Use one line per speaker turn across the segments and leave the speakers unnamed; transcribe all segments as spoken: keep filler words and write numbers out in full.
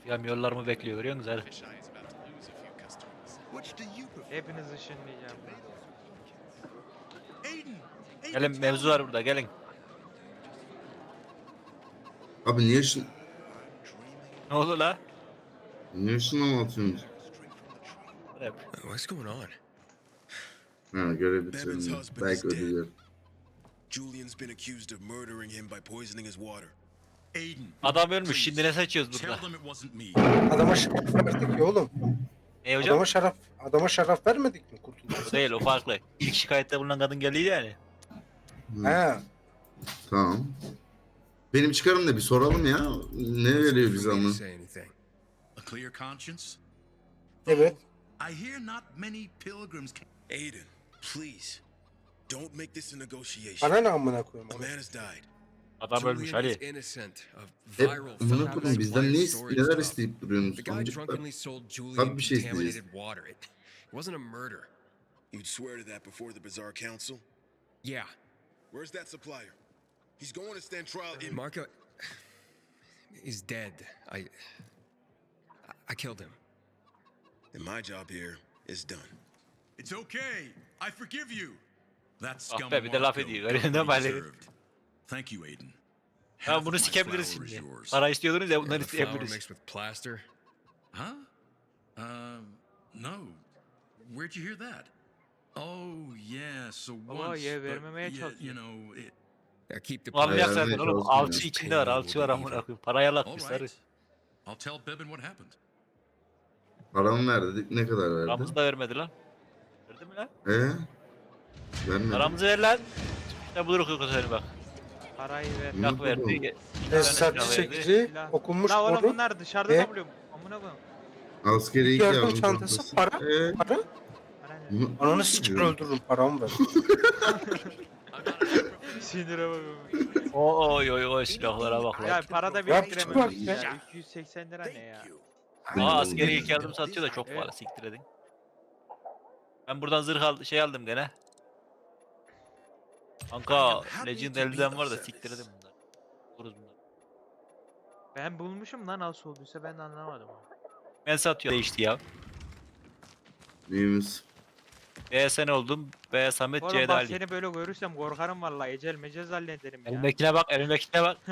Yollarımı bekliyor, görüyor musunuz herif?
Hepiniz ışınlayacağım.
Gelin, mevzu var burada, gelin.
Abi niye şun...
Ne oldu la?
Niye şuna atıyorsunuz?
Hep.
What's going on?
Ha görev bitirelim. Belki ödülüyor.
Julian's been accused of murdering him by poisoning his water.
Aiden.
Adam ölmüş, şimdi ne seçiyoruz
Tell
burada?
them it wasn't me.
Adama şaraf verdik ya oğlum.
Ne hocam?
Adama şaraf, adama şaraf vermedik mi kurtuluşa?
O değil, o farklı. İlk şikayette bulunan kadın geldiydi yani.
He.
Tamam. Benim çıkarım da bir soralım ya. Ne veriyor bize ama?
Say anything.
A clear conscience?
Evet.
I hear not many pilgrims can...
Aiden, please, don't make this a negotiation.
Bana ne amına koyayım
A
oğlum?
man has died.
Adam ölmüş
Julian is
Ali.
innocent of
Hep
viral
bunu
photos,
kurun bizden ne
blind
ist
stories
neler
stuff.
isteyip duruyorsunuz?
The guy
Amcıklar.
drunkenly sold Julian
Tabii bir şey isteyeceğiz.
contaminated water. It, it wasn't a murder. You'd swear to that before the Bazaar Council? Yeah. Where's that supplier? He's going to stand trial in... Marco is dead. I... I killed him. And my job here is done.
It's okay. I forgive you. That
Ah
scum
be, bir de laf
Marco
ediyor.
got
Öyle
what
deme
he
Ali.
deserved. Thank you, Aiden.
Ya
Half
bunu
of my
sikebiliriz
flour is
şimdi.
yours.
Para istiyordunuz ya,
And
bunları
the flour
isteyebiliriz.
mixed with plaster?
Huh? Um, no. Where'd you hear that? Oh, yeah, so
Baba,
once,
ye
but
vermemeye
yeah,
çalışıyor.
you know, it...
Yeah, keep the
Anlayak
Ayarlamaya
zaten oğlum.
çalışmıyor.
Alçı içinde var, alçı var amına koyayım. Parayı
All
alatmışlar.
right. I'll tell Bebin what happened.
Paramı ver dedik. Ne kadar verdi?
Paramızı da vermedi lan. Verdi mi lan?
Ee? Vermedi.
Paramızı ver lan. Ne buluruk yok seni bak.
Parayı ver.
Ne
Silah
oldu?
verdi.
Tesisat
silah verdi.
çekici,
Silah.
okunmuş
La oğlum
boru,
bunlar dışarıda
E?
topluyorum. Amına koyayım.
Askeri iki
yardım
yardım
çantası, para,
Ee?
para.
Para ne?
Bunu-
Ananı sikim öldürürüm, paramı ver.
Sinire bakıyorum.
Oy oy oy, silahlara bak
Ya
lan.
para da
Yap,
biriktiremedik
çıkar
ya. iki yüz seksen lira ne ya?
Aa, askeri ilk yardım satıyor da çok
Evet.
para, siktir edin. Ben buradan zırh al şey aldım gene. Kanka Legend elden var da siktir edin bunlar. Vururuz bunlar.
Ben bulmuşum lan nasıl olduysa ben de anlamadım.
Ben satıyor değişti ya.
Neyimiz?
B sen oldum. B Samet
Oğlum
C'de
bak
Ali.
seni böyle görürsem korkarım vallahi ecel mecez zannederim ya.
Elimdekine bak, elimdekine bak.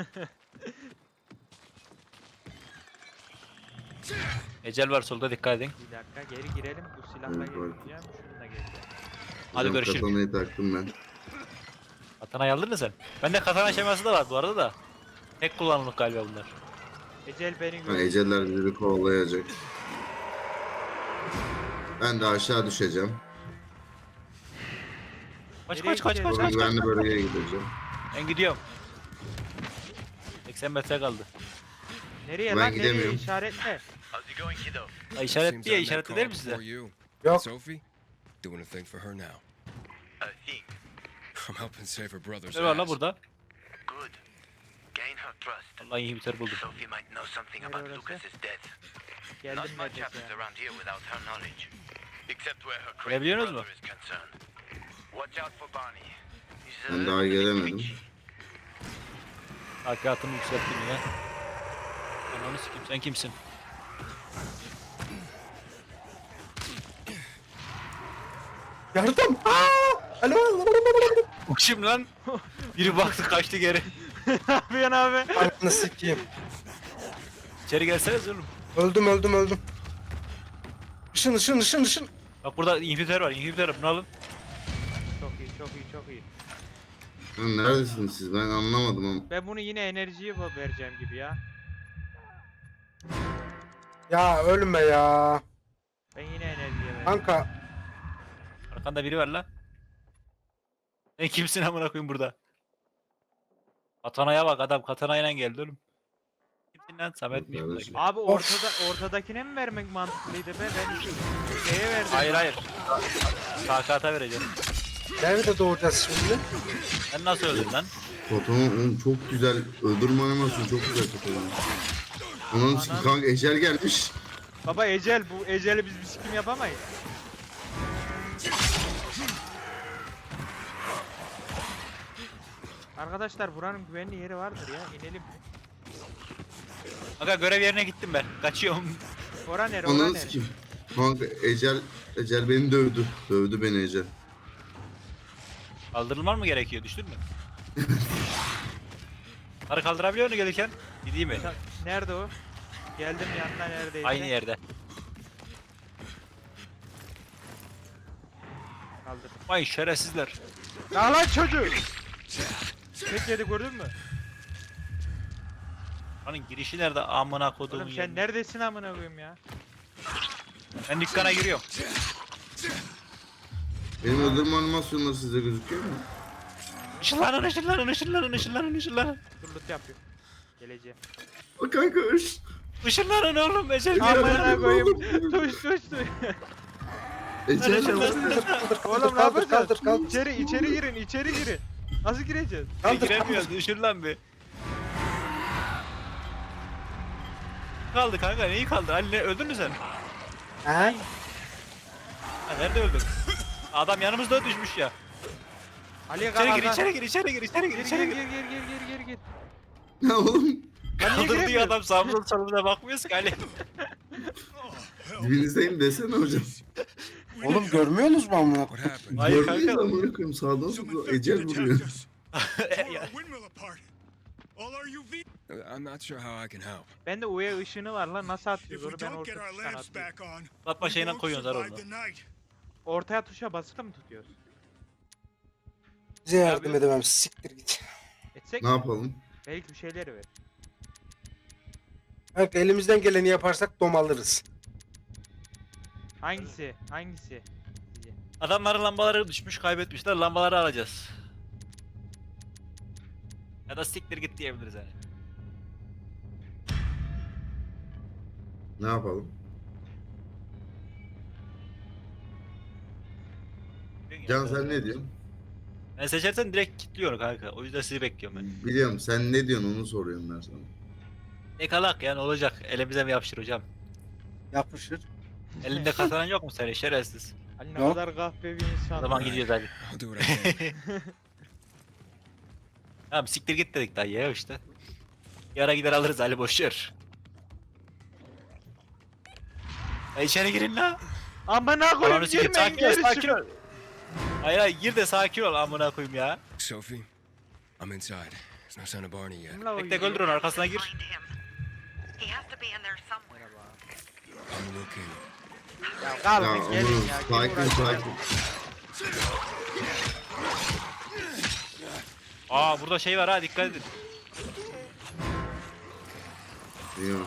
Ecel var solda, dikkat edin.
Bir dakika geri girelim bu silahla
Evet,
gireceğim
bak.
şununla gireceğim.
Hadi
Hocam,
görüşürüz.
Katanayı taktım ben.
Katana'yı aldın mı sen? Bende katana şeması da var bu arada da. Tek kullanımlık galiba bunlar.
Ecel beni
Ha,
gör.
eceller bizi kovalayacak. Ben de aşağı düşeceğim.
Kaç
Nereye
kaç kaç kaç
gidiyoruz?
kaç.
Sonra güvenli bölgeye gideceğim.
Ben gidiyorum. seksen metre kaldı.
Nereye
Ben
lan nereye
gidemiyorum.
işaretle.
Ha, işaret
Seems
diye
I'm that
işaretli değil mi
called
size?
for you.
Yok.
Sophie, doing a thing for her now. I'm helping save her brother's
Ne var lan
ass.
burada?
Good. Gain her trust.
Vallahi inhibitor buldum.
Sophie might know something
Nereye
about
orası?
Lucas's death.
Geldim
Not much
neredeyse
happens
ya.
around here without her knowledge. Except where her crazy
Görebiliyorsunuz
brother
mu?
is concerned. Watch out for Barney. He's a
Ben
little
daha
bit
gelemedim.
twitchy.
Hakikatımı yükselttim yine. Ananı sikeyim, sen kimsin?
Yardım! Aa! Alo!
Bu kim lan? Biri baktı kaçtı geri.
Ne yapıyorsun abi?
Ananı sikeyim.
İçeri gelseniz oğlum.
Öldüm, öldüm, öldüm. Işın, ışın, ışın, ışın.
Bak burada inhibitor var, inhibitor var, bunu alın.
Çok iyi çok iyi çok iyi.
Lan neredesiniz siz? Ben anlamadım ama.
Ben bunu yine enerjiye bu- vereceğim gibi ya.
Ya ölme ya.
Ben yine enerjiye vereceğim.
Kanka.
Arkanda biri var lan. Sen kimsin amına koyayım burada? Katana'ya bak, adam katanayla geldi oğlum. Kimsin lan? Samet'miş
Kardeşim.
buradaki.
Abi ortada ortadakine mi vermek mantıklıydı be? Ben şeye verdim.
Hayır hayır. Sakata vereceğim.
Nerede doğacağız şimdi?
Sen nasıl öldün lan?
Fotoğraf oğlum çok güzel. Öldürme animasyonu çok güzel fotoğraf. Onun için kanka ecel gelmiş.
Baba ecel bu eceli biz bir sikim yapamayız. Arkadaşlar buranın güvenli yeri vardır ya inelim.
Aga görev yerine gittim ben. Kaçıyorum.
Ora nere ora
Ananı
nere?
sikeyim. Kanka Ecel, Ecel beni dövdü. Dövdü beni Ecel.
Kaldırılman mı gerekiyor? Düştün mü? Bunları kaldırabiliyor musun gelirken? Gideyim mi?
Ta- Nerede o? Geldim yanına neredeyse.
Aynı yerde.
Kaldır.
Vay şerefsizler.
Ya lan çocuğu! Tek yedi gördün mü?
Lan girişi nerede? Amına koduğumun
Oğlum sen
yerine.
neredesin amına koyayım ya?
Ben dükkana giriyorum.
Benim öldürme animasyonları size gözüküyor mu?
Işınlanın, ışınlanın, ışınlanın, ışınlanın, ışınlanın.
Dur loot yapıyor. Geleceğim.
O kanka ış.
Işınlanın oğlum, ecel
Amına
geliyor.
Amına koyayım.
oğlum.
Tuş tuş tuş.
Ecel
Kaldır
Oğlum
kaldır
ne
kaldır
yapacağız?
kaldır kaldır.
İçeri içeri girin içeri girin. Nasıl gireceğiz?
Kaldır
Giremiyoruz, ışınlan bir. Kaldı kanka, neyi kaldı? Ali ne, öldün mü sen?
Ha?
Ha, nerede öldün? Adam yanımızda düşmüş ya.
Ali'ye
İçeri gir,
kalk.
içeri gir, içeri gir, içeri gir,
Gir
içeri
gir
gir.
gir gir gir gir gir gir.
Ya oğlum.
Lan niye
Kaldırdığı
giremiyoruz?
adam sağımıza solumuza bakmıyorsun ki Ali.
Dibinizdeyim desene hocam.
Oğlum görmüyorsunuz mu amına?
What happened?
Hayır
Görmeyiz
kanka.
amına koyayım sağdan
Some
sola
infected
Ecel vuruyor.
attacked us. Tore our windmill apart. All our U V.
I'm not sure how I can help.
Bende U V ışını var lan nasıl
If
atıyoruz
we
onu ben
don't get
orta
our
tuştan
lamps
atıyorum.
back on,
Atma
we
şeyinden
won't
koyuyorsun
survive
zararını.
the night.
Ortaya tuşa basılı mı tutuyoruz?
Size yardım edemem. Siktir git.
Etsek
Ne
mi?
yapalım?
Belki bir şeyleri ver.
Bak elimizden geleni yaparsak dom alırız.
Hangisi? Hangisi? Sizce?
Adamların lambaları düşmüş, kaybetmişler. Lambaları alacağız. Ya da siktir git diyebiliriz yani.
Ne yapalım? Can sen ne diyorsun?
Ben seçersen direkt kilitliyorum kanka. O yüzden sizi bekliyorum ben.
Biliyorum sen ne diyorsun onu soruyorum ben sana.
Ne kalak yani olacak. Elimize mi yapışır hocam?
Yapışır.
Elinde kazanan yok mu senin şerefsiz?
Ali ne
Yok.
kadar kahpe bir
O
insan.
zaman gidiyoruz hadi.
I'll do what I can.
Tamam siktir git dedik daha ya işte. Yara gider alırız Ali boşver. Ya içeri girin la.
Amına
Ananı
koyayım
sikeyim,
girmeyin
sakin ol,
geri
sakin
çıkın.
ol. Hayır hayır gir de sakin ol amına koyayım ya.
Sophie, I'm inside. There's no sign of Barney yet.
Kimle
Tek tek
oynuyor?
öldür onu arkasına gir.
Find him. He has to be in there somewhere.
I'm looking.
Ya
Ya
kalkın gelin
oğlum
ya. kim
sakin
uğraşacak?
sakin.
Aa burada şey var ha dikkat edin.
Biliyorum.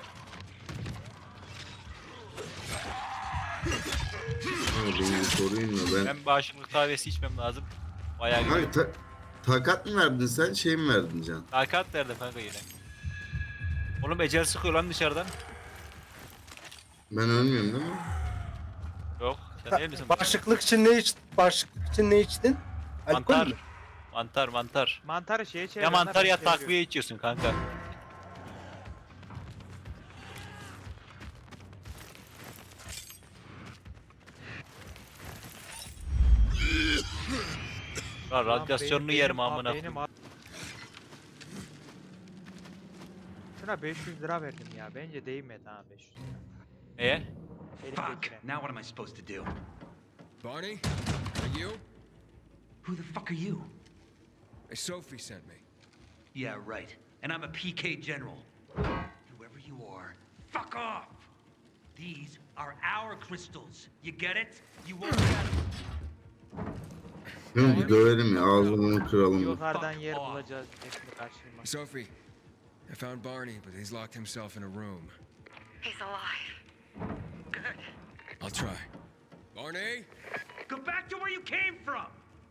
Ama beni sorayım da ben...
Ben bağışıklık kahvesi içmem lazım. Bayağı güzel.
Kanka ta- takat mı verdin sen şey mi verdin Can?
Hakikat verdim kanka yine. Oğlum ecel sıkıyor lan dışarıdan.
Ben ölmüyorum değil mi?
Yok sen değil misin?
Bağışıklık için ne içtin? Bağışıklık için ne içtin? Alkol
Mantar.
mü?
Mantar mantar.
Mantarı şeye çevir.
Ya mantar ya
çeviriyor.
takviye içiyorsun kanka. Lan
Lan
radyasyonunu
benim-
yerim
benim-
amına
benim
koyayım.
a- Şuna beş yüz lira verdim ya. Bence değmedi ha beş yüz lira.
Neye?
Fuck.
Elimdekine.
Now what am I supposed to do?
Barney, are you?
Who the fuck are you?
Hey, Sophie sent me.
Yeah, right. And I'm a P K general. Whoever you are, fuck off! These are our crystals. You get it? You won't get them.
Değil mi? Dövelim ya ağzını kıralım.
Yukarıdan
Fuck
yer
off.
bulacağız. Hepsini kaçırma.
Sophie, I found Barney, but he's locked himself in a room.
He's alive. Good.
I'll try. Barney?
Go back to where you came from!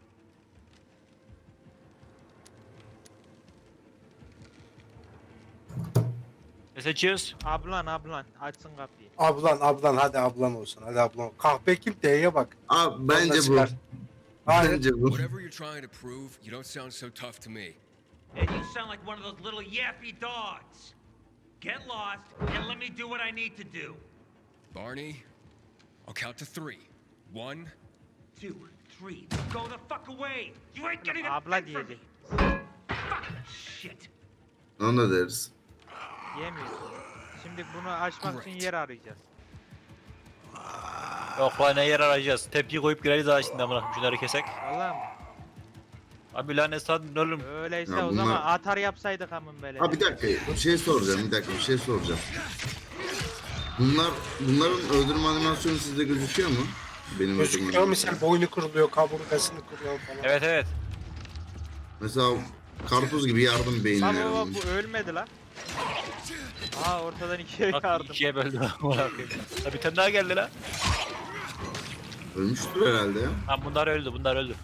Ne seçiyoruz?
Ablan ablan açsın kapıyı.
Ablan ablan hadi ablan olsun. Hadi ablan. Kahpe kim D'ye bak.
Abi bence
Ondan
bu.
çıkar. Hayır.
Bence bu.
Whatever you're trying to prove, you don't sound so tough to me.
And you sound like one of those little yappy dogs. Get lost and let me do what I need to do.
Barney, I'll count to three. One,
Two, three, go the fuck away! You ain't getting a
Abla
thing from me!
diyecek.
Fuck! Shit!
Onu da deriz.
Yemiyorsun. Şimdi bunu açmak için yer arayacağız.
Yok lan ne yer arayacağız. Tepki koyup gireriz daha şimdi amına koyayım şunları kesek.
Vallahi mı?
Abi lanet sadın oğlum.
Öyleyse
Ya
o
bunlar-
zaman atar yapsaydık amın böyle.
Ha bir dakika bir şey soracağım bir dakika bir şey soracağım. Bunlar bunların öldürme animasyonu sizde gözüküyor mu? Benim
Gözüküyor
öldürme
misal boynu kırılıyor, kaburgasını kırıyor falan.
Evet evet.
Mesela karpuz gibi yardım
Lan
beyinler.
baba bu ölmedi lan. Aa ortadan ikiye
Bak
yardım.
ikiye böldüm amına koyayım. Ha bir tane daha geldi lan.
Ölmüştür herhalde ya.
Lan bunlar öldü bunlar öldü.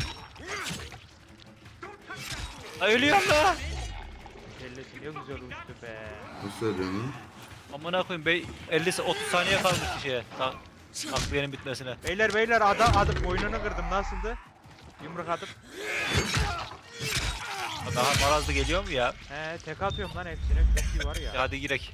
Ha ölüyorum lan.
Kellesi ne güzel uçtu be.
Nasıl söylüyorsun lan?
Amına koyayım be elli otuz saniye kalmış şeye. Ta takviyenin bitmesine.
Beyler beyler adam adım boynunu kırdım nasıldı? Yumruk atıp.
Ha, daha marazlı geliyor mu ya?
He tek atıyorum lan hepsine. Çok iyi var
Ya
ya.
hadi girek.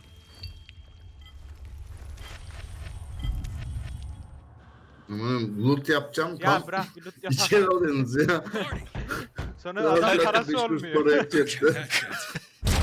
Aman loot yapacağım
Ya
tam
bırak bir loot
içeri
yapalım.
alıyorsunuz ya.
Sonra
Ya
adam
zaten beş
parası
kuruş
olmuyor.
para yapacaktı.
That shit.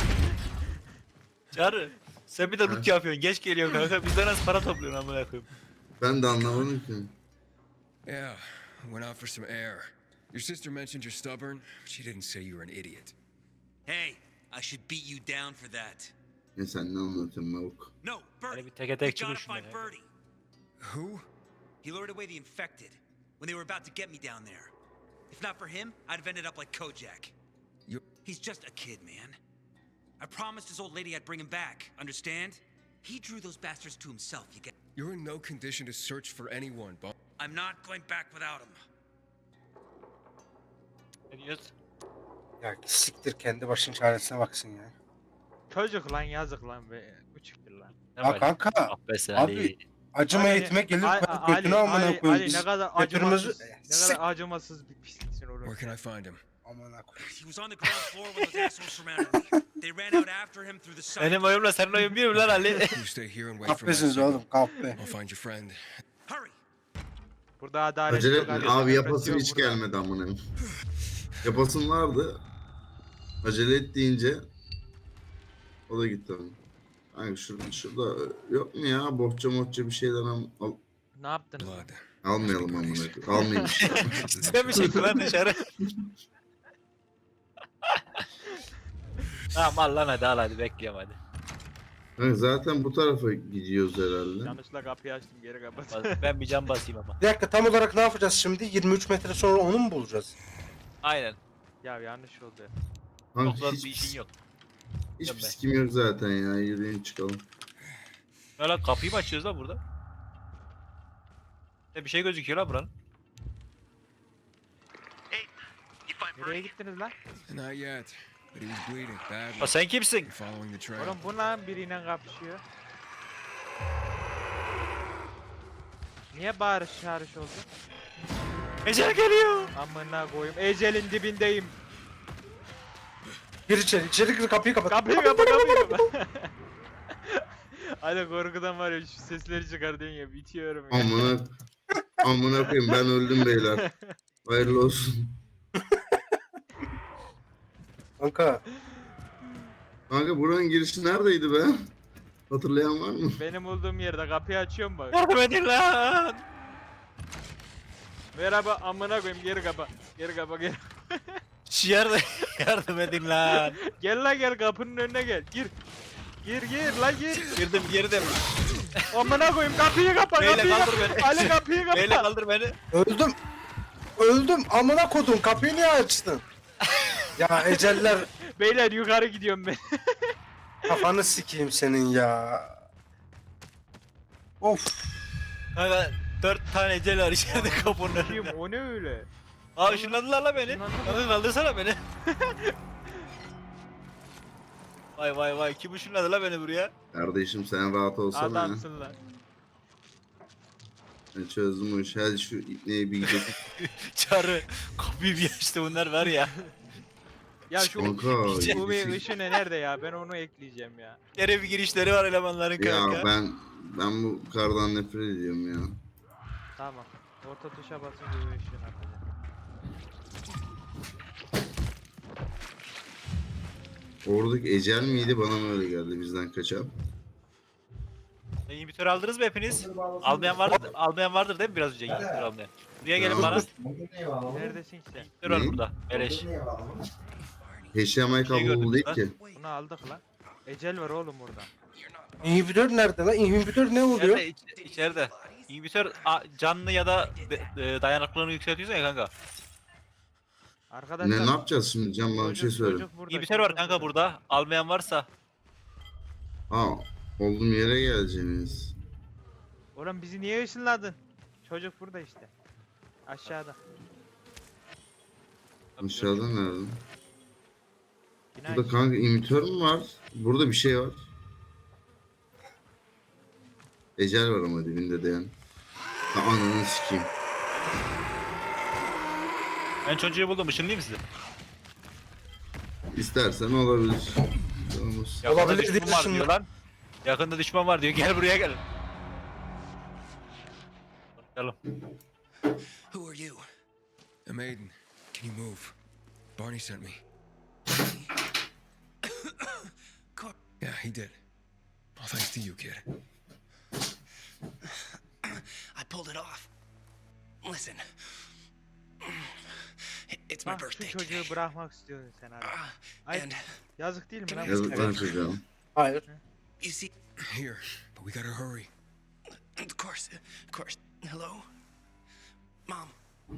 Çağrı. Sen bir de loot yapıyorsun. Geç geliyorsun kanka. Bizden az para topluyorsun amına koyayım.
Ben de anlamadım ki.
Yeah, went out for some air. Your sister mentioned you're stubborn. She didn't say you were an idiot.
Hey, I should beat you down for that.
Ne sen ne anlatıyorsun Mavuk?
No, Birdie.
Hadi bir teke tek
We gotta
çıkın
find
şundan ya.
Birdie.
Who?
He lured away the infected when they were about to get me down there. If not for him, I'd have ended up like Kojak.
You.
He's just a kid, man. I promised his old lady I'd bring him back, understand? He drew those bastards to himself, you get.
You're in no condition to search for anyone, Bob.
I'm not going back without him.
Ne diyorsun?
Ya siktir kendi başın çaresine baksın ya.
Çocuk lan yazık lan be. Küçüktür lan.
Ne
Ya
var?
kanka
Ah be sen
abi,
Ali.
acıma
Ali-
eğitime gelir
Ali-
kadar götünü
Ali-
amına
Ali-
koyayım.
Ali
Biz
ne kadar
götürümüzü...
acımasız, ne kadar acımasız bir pisliksin oğlum.
Where can I find him?
Amına koyayım.
He was on the ground floor when those assholes surrounded me. They ran out after him through the side.
Benim oyumla senin oyun bir mi lan Ali?
You stay here and wait for my
Kahpesiniz
signal.
oğlum kahpe.
I'll find your friend.
Hurry!
Burada adalet
Acele
yok,
etme.
adalet
Abi
yok,
yapasım
yok
hiç
burada.
gelmedi amına. Yapasım vardı. Acele et deyince o da gitti onun. Hani şurada, şurada yok mu ya bohça mohça bir şeyler al, al-
Ne yaptınız?
Blood.
almayalım amına koyayım. Almayayım.
Sen mi çektin lan dışarı? Tamam al lan hadi al hadi bekliyorum hadi.
Hani zaten bu tarafa gidiyoruz herhalde.
Yanlışla kapıyı açtım geri kapat.
Ben bir cam basayım ama.
Bir dakika tam olarak ne yapacağız şimdi? yirmi üç metre sonra onu mu bulacağız?
Aynen.
Ya yanlış oldu.
Kanka
Çok zor
hiç,
bir işin yok.
hiç
Yok be.
psikim yok zaten ya. Yürüyün çıkalım.
Ya lan kapıyı mı açıyoruz lan burada? Ya bir şey gözüküyor lan buranın.
Nereye gittiniz lan?
Not yet, but he was bleeding badly.
Ha sen kimsin?
We're following the trail.
Oğlum bu lan biriyle kapışıyor. Niye bağırış çağırış oldu?
Ecel geliyor.
Amına koyayım. Ecelin dibindeyim.
Gir içeri, içeri gir kapıyı kapat.
Kapıyı kapa kapıyı kapa. Hadi korkudan var ya şu sesleri çıkar diyorsun ya bitiyorum ya.
Amına amına koyayım ben öldüm beyler. Hayırlı olsun.
Kanka
Kanka buranın girişi neredeydi be? Hatırlayan var mı?
Benim olduğum yerde kapıyı açıyorum bak.
Yardım edin lan.
Merhaba amına koyayım geri kapa. Geri kapa geri.
Şu yardım, yardım edin lan.
Gel lan gel kapının önüne gel. Gir. Gir gir lan gir.
Girdim girdim.
Amına koyayım kapıyı kapa
Beyle
kapıyı
kaldır
kapa.
beni.
Ali kapıyı kapa.
Beyle kaldır beni.
öldüm. Öldüm amına kodum kapıyı niye açtın? Ya eceller
Beyler yukarı gidiyorum ben.
kafanı sikeyim senin ya. Of.
Kanka dört tane ecel var içeride kapının önünde.
Kim o ne öyle?
Aa ışınladılar la beni.
Işınlandı.
Kanka kaldırsana beni. Vay vay vay kim ışınladı la beni buraya?
Kardeşim sen rahat olsana ya.
Adamsın lan.
Ben çözdüm o işi. Hadi şu ipneyi bir gidelim.
Çağrı kapıyı bir açtı bunlar var ya.
Ya şu
Kanka.
U V ışını nerede ya? Ben onu ekleyeceğim ya.
Yere bir girişleri var elemanların kanka.
Ya ben ben bu kardan nefret ediyorum ya.
Tamam. Orta tuşa basınca U V ışığını atacağım.
Oradaki ecel miydi bana mı öyle geldi bizden kaçan?
E, İnhibitör aldınız mı hepiniz? Almayan vardır, almayan vardır değil mi biraz önce inhibitör almayan? Buraya gelin bana.
Neredesin ki sen?
İnhibitör var
Ne?
burada. Beleş.
H D M I
Şey gördüm
kablolu değil
lan.
ki.
Bunu aldık lan. Ecel var oğlum burada.
İnhibitör nerede lan? İnhibitör ne oluyor?
İçeride, iç- içeride. İnhibitör a- canlı ya da de- e, dayanıklılığını yükseltiyorsun ya kanka.
Arkadaşlar.
Ne, ne yapacağız şimdi Can bana bir şey
çocuk-
söyle.
çocuk burada,
İnhibitör var
çocuk
kanka burada. Almayan varsa.
Ha olduğum yere geleceğiniz.
Oğlum bizi niye ışınladın? Çocuk burada işte. Aşağıda.
Aşağıda nerede?
Bina
Burada kanka imitör mü var? Burada bir şey var. Ecel var ama dibinde de yani. Ha, ananı sikeyim.
Ben çocuğu buldum. Işınlayayım sizi.
İstersen olabilir. Olmaz.
Yakında
Olabilir
düşman
diye
var
ışınla-
diyor lan. Yakında düşman var diyor. Gel buraya gel. Bakalım.
Who are you? A maiden. Can you move? Barney sent me. Yeah, he did. All thanks to you, kid. I pulled it off. Listen. It's my
Bak şu
birthday
çocuğu
today.
bırakmak istiyorsun sen abi.
Ah,
Ay
and
yazık değil mi lan?
Yazık lan çocuğa.
Hayır.
you see, here, but we gotta hurry. Of course, of course. Hello, Mom.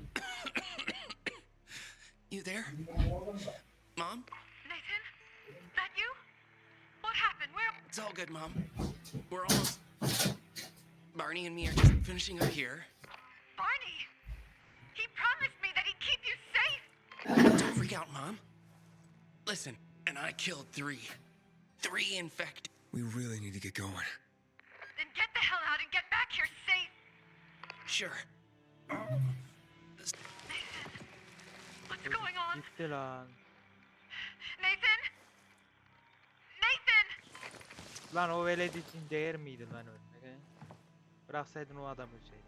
You there, Mom?
Nathan? That you? What happened? Where?
It's all good, Mom. We're almost. Barney and me are just finishing up here.
Barney! He promised me that he'd keep you safe!
Don't freak out, Mom. Listen, and I killed three. Three infected. We really need to get going.
Then get the hell out and get back here safe!
Sure.
Nathan? What's going on?
Gitti lan.
Nathan? Nathan!
Lan o veled için değer miydi lan ölmek he? Bıraksaydın o adamı şey.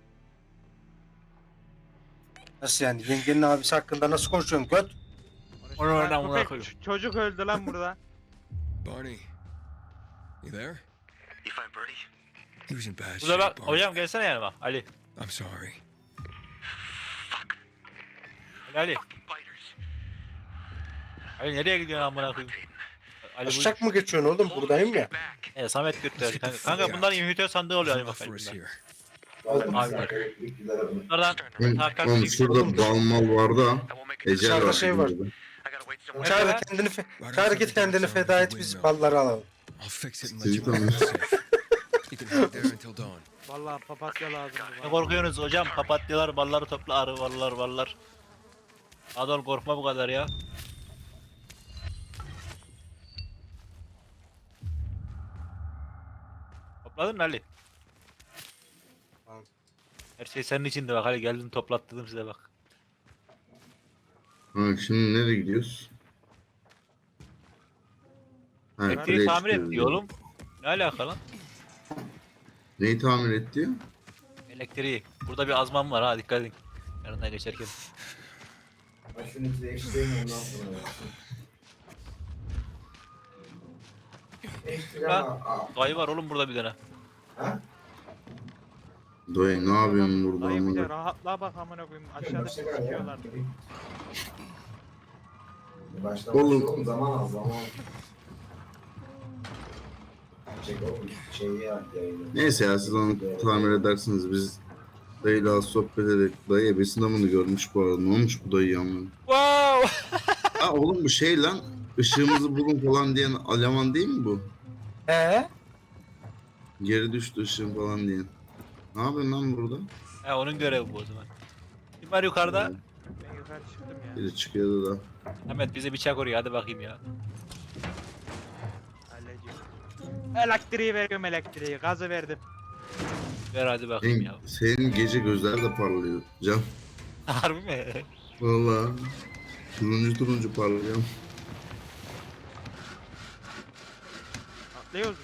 Nasıl yani? Yengenin abisi hakkında nasıl konuşuyorsun göt?
Konuşma
Onu
lan,
oradan buna
köpek,
koyayım.
ç- Çocuk öldü lan burada.
Barney, you there?
You find Birdie?
He was in bad
Burada
shape.
bak.
Barney.
Hocam gelsene yanıma. Ali.
I'm sorry.
Ali. Ali.
Biters.
Ali nereye gidiyorsun amına koyayım? Ali bu.
Aşak mı geçiyorsun oğlum? Buradayım ya.
Back.
E, Samet götürdü kanka. Kanka bunlar inhibitör sandığı oluyor Ali
There's enough
bakayım.
for us
bunlar.
here.
Abi bak. Bunlardan
Oğlum,
takas
oğlum
bilgisi
şurada
olur.
bal mal var da.
I won't make a
Ecel
Dışarıda
var.
şey var.
burada.
I gotta wait somewhere.
Çağrı
Nerede?
kendini fe- Çağrı git kendini feda et biz balları alalım.
I'll fix it and let
Sizi
you out
tanıyorum.
safe. You can head there until dawn.
Vallahi papatya lazım.
Ne korkuyorsunuz hocam? Papatyalar, balları topla, arı, ballar, ballar. Adol korkma bu kadar ya. Topladın mı Ali?
Tamam.
Her şey senin içindi bak Ali geldim toplattırdım size bak.
Ha, şimdi nereye gidiyoruz? Ha,
Elektriği
kuleye
tamir et
çıkıyoruz.
diyor oğlum. Ne alaka lan?
Neyi tamir et diyor?
Elektriği. Burada bir azman var ha dikkat edin. Yanından geçerken. Lan, dayı var oğlum burada bir tane.
Dayı ne yapıyorsun burada?
Dayı bir de
amına?
rahatla bak amına koyayım. Aşağıda bir sikiyorlar.
Oğlum
Zaman al zaman. Çek oğlum şeyi yap yayını.
neyse ya siz onu tamir edersiniz biz dayıyla az sohbet edelim. Dayı ebesinde bunu görmüş bu arada. Ne olmuş bu dayı ama?
Wow!
Ha oğlum bu şey lan ışığımızı bulun falan diyen Aleman değil mi bu?
He?
Geri düştü ışığım falan diyen. Ne yapıyorsun lan burada?
He onun görevi bu o zaman. Kim var yukarıda?
Ben yukarı çıktım ya.
Biri çıkıyordu da.
Ahmet bize bıçak oraya hadi bakayım ya.
Hallediyorum. Elektriği veriyorum elektriği. Gazı verdim.
Ver hadi bakayım
Senin,
ya.
senin gece gözler de parlıyor Can.
Harbi mi?
Vallahi turuncu turuncu parlıyor.
Atlıyoruz mu?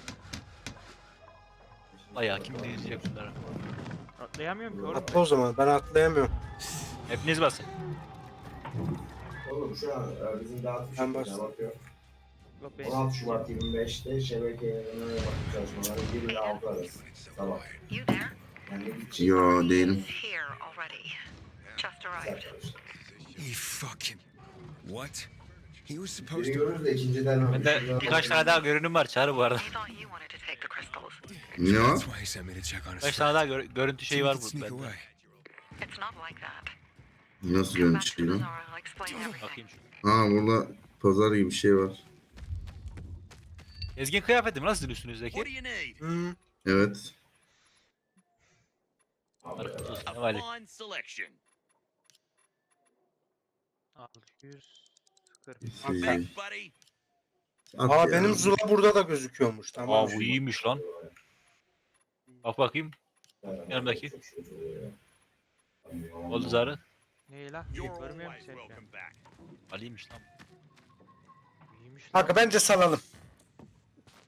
Vay ya kim diyecek bunlara?
Atlayamıyorum ki oğlum.
Atla o zaman ben atlayamıyorum.
Hepiniz basın.
Oğlum şu an e, bizim dağıtmış
Ben
bir
bastım.
bakıyor.
Yok
on altı Şubat yirmi beşte şebeke yayınlarına yaptığı çalışmaları bir ile altı arası. Sabah.
You there?
Ben de gideceğim.
Yo değilim.
Here already. Just arrived.
He fucking. What? He was supposed
Biri
to.
görürüz de ikinciden
Bende birkaç tane daha görünüm var Çağrı bu arada.
I thought you wanted to take the crystals.
Ne o?
That's why he sent me to check on his
Birkaç
friend.
tane daha gör- görüntü
So
şeyi
we
var
could
bu
sneak
bende.
away.
It's not like that.
Nasıl
Come back
görmüş
to the
lan?
bazaar, I'll explain everything.
Bakayım şu.
Ha burada pazar gibi bir şey var.
Ezgin kıyafeti mi? Nasıl üstünüzdeki?
What do you need?
Hmm.
Evet.
Arkadaşlar olsun,
A
ne vali.
fine selection.
altı yüz kırk.
Şey,
Thanks, buddy.
at
Aa
ya.
benim Zula burada da gözüküyormuş. Tamam.
Aa bu iyiymiş lan. Bak bakayım. Yanımdaki. Oldu zarı.
Ne la?
You're
Görmüyor
always
musun sen?
welcome back.
Ali'ymiş lan.
İyiymiş lan.
Kanka bence salalım.